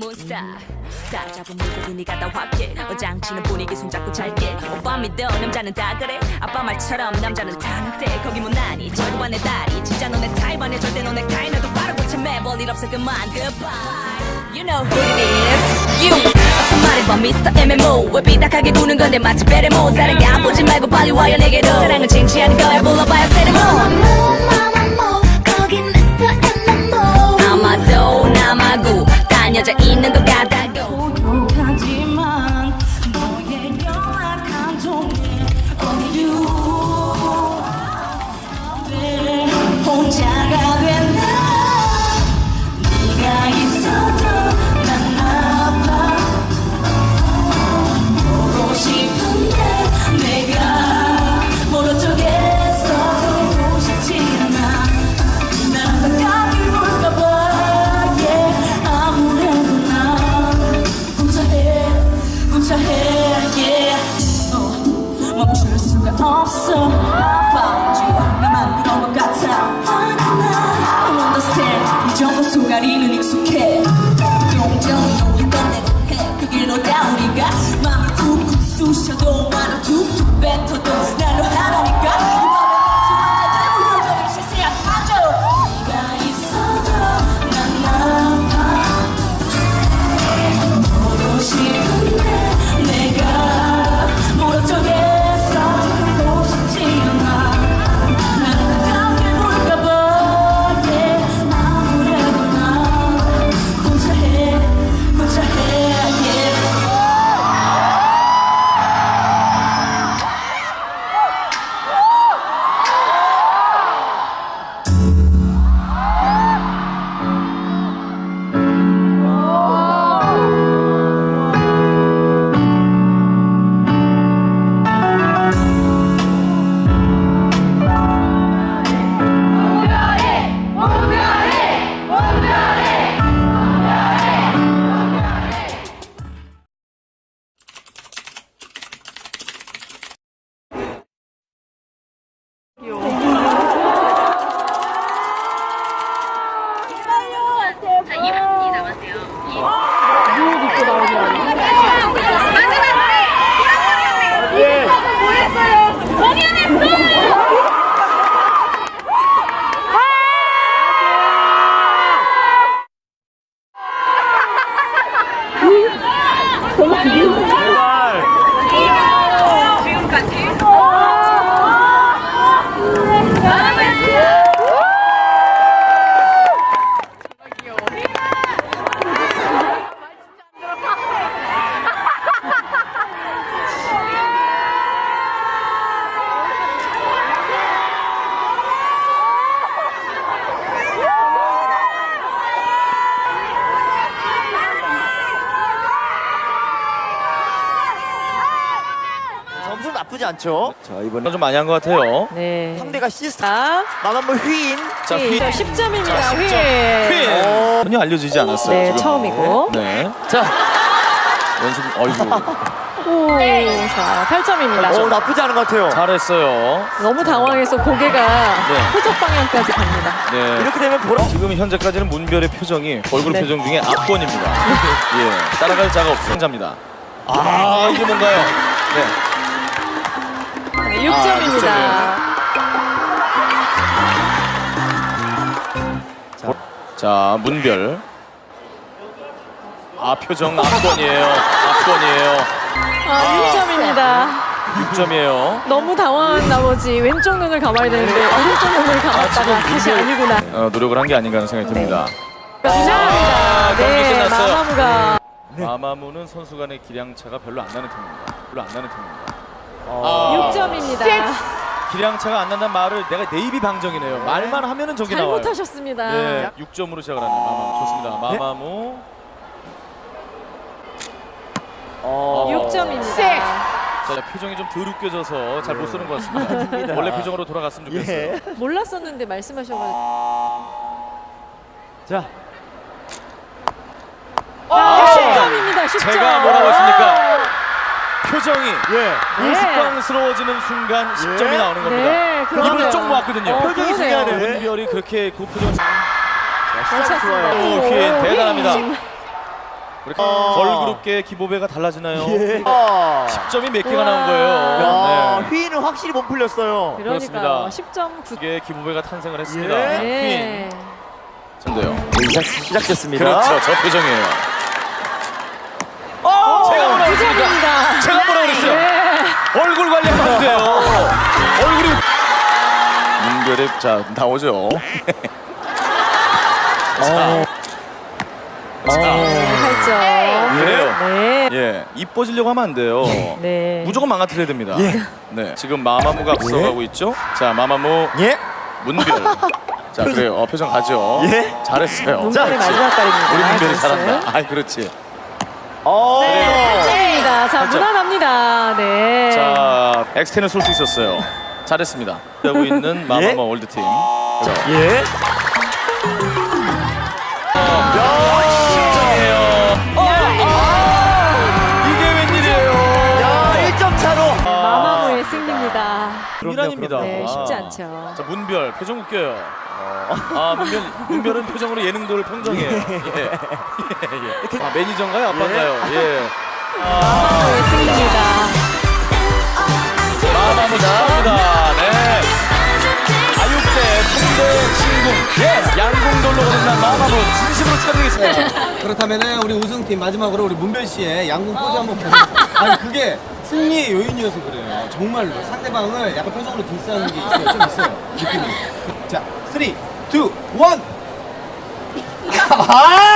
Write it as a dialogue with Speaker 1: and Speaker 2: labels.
Speaker 1: 몬스타 다 잡은 물고기 네가 다 확해 어장치는 분위기 손잡고 잘게 오빠 믿어 남자는 다 그래 아빠 말처럼 남자는 타는데 거기 못나니 절구반 내 다리 진짜 너네 타입 아니야 절대 너네 카이 나도 빠르고 참해 볼일 없어 그만 goodbye You know who it is You 어서 말해봐 Mr. MMO 왜 삐딱하게 구는 건데 마치 베레모 다른 게 안 보지 말고 빨리 와요 내게로 사랑은 쟁취하는 거야 불러봐요 세레모 거기 Mr. MMO 아마도 남아고 딴 여자 있는 것 같다고
Speaker 2: 고독하지만 너의 연락한 통에 Only you 혼자가 된다 네가 있어도 난 아파 보고 싶은데 내가 모른 척해서 보고 싶지 않아 난 가까이 올까봐 아무래도 난 혼자해 멈출 수가 없어 Found you 나만 그런 것 같아 I understand 이 정도 순간이는 익숙해 동정이 했던 대로 해 그게 너다 우리가 맘이 쿡쿡 쑤셔도 말을 툭툭 뱉어도 난 너 하나니까 이 밤에 같이 완전 대무료적인 시세야 맞아 네가 있어도 난 아파 보고 싶은데 내가 모른 척해서 보고 싶지 않아 난 가깝게 볼까봐 아무래도 난 혼자해
Speaker 3: 점수 나쁘지 않죠?
Speaker 4: 자, 이번엔 좀 많이 한 것 같아요.
Speaker 5: 네.
Speaker 3: 상대가 시스타
Speaker 5: 자,
Speaker 3: 마감물 휘인
Speaker 4: 자, 휘.
Speaker 5: 10점입니다.
Speaker 4: 자, 10점.
Speaker 5: 휘.
Speaker 4: 전혀 알려지지 않았어요.
Speaker 5: 네,
Speaker 4: 지금.
Speaker 5: 처음이고.
Speaker 4: 네. 자, 연습, 어이구.
Speaker 5: 오, 자, 8점입니다.
Speaker 3: 나쁘지 않은 것 같아요.
Speaker 4: 잘했어요.
Speaker 5: 너무 당황해서 고개가
Speaker 4: 네.
Speaker 5: 표적 방향까지 갑니다.
Speaker 4: 네.
Speaker 3: 이렇게 되면 보라
Speaker 4: 지금 현재까지는 문별의 표정이 얼굴
Speaker 5: 네.
Speaker 4: 표정 중에 압권입니다. 예. 따라갈 자가 없어. 자입니다. 아, 이게 뭔가요? 네.
Speaker 5: 6점입니다.
Speaker 4: 자, 문별. 아, 표정 압권이에요. 압권이에요.
Speaker 5: 6점입니다.
Speaker 4: 6점이에요.
Speaker 5: 너무 당황한 나머지 왼쪽 눈을 감아야 되는데 오른쪽 눈을 감았다가 다시 아니구나.
Speaker 4: 노력을 한 게 아닌가 하는 생각이 듭니다.
Speaker 5: 감사합니다.
Speaker 4: 경기
Speaker 5: 네,
Speaker 4: 끝났어요.
Speaker 5: 마마무가.
Speaker 4: 마마무는 선수 간의 기량차가 별로 안 나는 팀입니다. 별로 안 나는 팀입니다.
Speaker 5: 6점입니다.
Speaker 4: 기량차가 안 난다는 말을 내가 네이비 방정이네요. 말만 하면은 저기 나와요.
Speaker 5: 잘못하셨습니다.
Speaker 4: 네, 6점으로 시작을 하네요. 마마무 좋습니다. 마마무.
Speaker 5: 6점입니다.
Speaker 4: 자, 표정이 좀 덜 웃겨져서 잘 못 쓰는 것 같습니다. 원래 표정으로 돌아갔으면 좋겠어요.
Speaker 3: 예.
Speaker 5: 몰랐었는데 말씀하셔가지고.
Speaker 3: 자
Speaker 5: 10점입니다. 10점.
Speaker 4: 제가 뭐라고 했습니까? 표정이
Speaker 3: 예.
Speaker 4: 우스꽝스러워지는 순간 10점이 나오는 겁니다.
Speaker 5: 네, 그러네요.
Speaker 4: 입을 쫑 모았거든요.
Speaker 3: 표정이
Speaker 5: 그러네요.
Speaker 3: 중요하네.
Speaker 4: 문별이 그렇게 그 표정.
Speaker 5: 잘 찼습니다.
Speaker 4: 오, 휘인 대단합니다. 우리 걸그룹계 기보배가 달라지나요?
Speaker 3: 예.
Speaker 4: 10점이 몇 개가 나온 거예요.
Speaker 3: 야,
Speaker 4: 네.
Speaker 3: 휘인은 확실히 못 풀렸어요.
Speaker 5: 그러니까요.
Speaker 4: 그렇습니다.
Speaker 5: 10.9.
Speaker 4: 게 기보배가 탄생을 했습니다.
Speaker 3: 예.
Speaker 5: 네.
Speaker 4: 전데요.
Speaker 3: 시작됐습니다.
Speaker 4: 그렇죠. 저 표정이에요. 제가 뭐라 그랬습니까?
Speaker 5: 부정입니다.
Speaker 4: 제가 뭐라 그랬어요?
Speaker 5: 네.
Speaker 4: 얼굴 관리하면 안 돼요. 얼굴이 문별의 자 나오죠.
Speaker 5: 네, 8점.
Speaker 4: 그래요.
Speaker 5: 네.
Speaker 4: 예, 이뻐지려고 하면 안 돼요.
Speaker 5: 네.
Speaker 4: 무조건 망가뜨려야 됩니다.
Speaker 3: 예.
Speaker 4: 네, 지금 마마무가 앞서가고 있죠. 자, 마마무
Speaker 3: 예.
Speaker 4: 문별. 자, 그래요. 표정 가죠.
Speaker 3: 예.
Speaker 4: 잘했어요.
Speaker 5: 문별의 마지막 달입니다.
Speaker 4: 우리 문별이
Speaker 5: 잘했어요.
Speaker 4: 잘한다. 아, 그렇지.
Speaker 5: 네, 8점입니다. 자,
Speaker 4: 팔점.
Speaker 5: 무난합니다. 네.
Speaker 4: 자, 엑스텐을 쏠 수 있었어요. 잘했습니다. 하고 있는 마마무 월드팀.
Speaker 3: 예.
Speaker 4: 이게 웬일이에요?
Speaker 3: 야, 1점 차로.
Speaker 5: 마마무의 승리입니다.
Speaker 4: 이란입니다.
Speaker 5: 네, 쉽지 않죠.
Speaker 4: 자, 문별 표정 웃겨요. 아, 문별은 표정으로 예능도를 평정해요. 예. 아, 매니저인가요? 아빠인가요? 예.
Speaker 5: 마마무의 승리입니다.
Speaker 4: 마마무 축하합니다. 네. 아육대 3대 진궁. 예. 양궁돌로 거듭난 마마무 진심으로 축하드리겠습니다.
Speaker 6: 그렇다면은 우리 우승팀 마지막으로 우리 문별 씨의 양궁 포즈 한번 보여주세요. 아니 그게 승리의 요인이어서 그래요. 정말로 상대방을 약간 표정으로 딜스하는 게 있어요. 좀 있어요. 느낌이. 자, 3, 2, 1.
Speaker 3: 아!